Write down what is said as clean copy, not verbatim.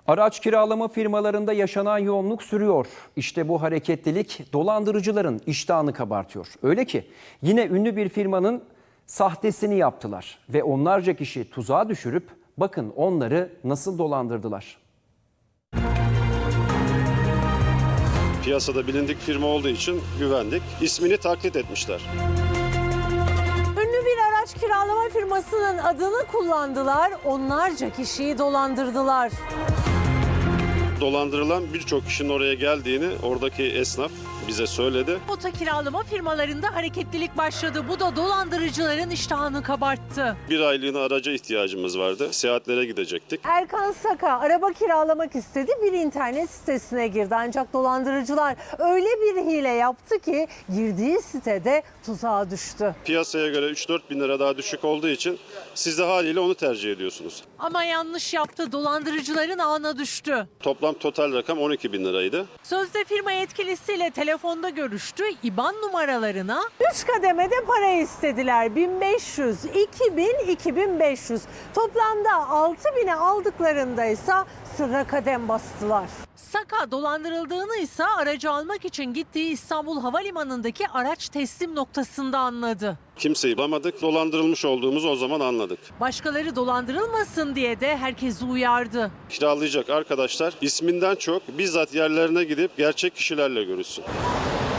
Araç kiralama firmalarında yaşanan yoğunluk sürüyor. İşte bu hareketlilik dolandırıcıların iştahını kabartıyor. Öyle ki yine ünlü bir firmanın sahtesini yaptılar ve onlarca kişi tuzağa düşürüp bakın onları nasıl dolandırdılar. Piyasada bilindik firma olduğu için güvendik. İsmini taklit etmişler. Ünlü bir araç kiralama firmasının adını kullandılar, onlarca kişiyi dolandırdılar. Dolandırılan birçok kişinin oraya geldiğini oradaki esnaf bize söyledi. Oto kiralama firmalarında hareketlilik başladı. Bu da dolandırıcıların iştahını kabarttı. Bir aylığına araca ihtiyacımız vardı. Seyahatlere gidecektik. Erkan Saka araba kiralamak istedi, bir internet sitesine girdi. Ancak dolandırıcılar öyle bir hile yaptı ki girdiği sitede tuzağa düştü. Piyasaya göre 3-4 bin lira daha düşük olduğu için siz de haliyle onu tercih ediyorsunuz. Ama yanlış yaptı, dolandırıcıların ağına düştü. Toplam total rakam 12 bin liraydı. Sözde firma yetkilisiyle telefonda görüştü. İBAN numaralarına 3 kademede para istediler. 1500, 2000, 2500. Toplamda 6000'e aldıklarında ise sırra kadem bastılar. Saka dolandırıldığını ise aracı almak için gittiği İstanbul Havalimanı'ndaki araç teslim noktasında anladı. Kimseyi bulamadık. Dolandırılmış olduğumuzu o zaman anladık. Başkaları dolandırılmasın diye de herkesi uyardı. Kiralayacak arkadaşlar isminden çok bizzat yerlerine gidip gerçek kişilerle görüşsün.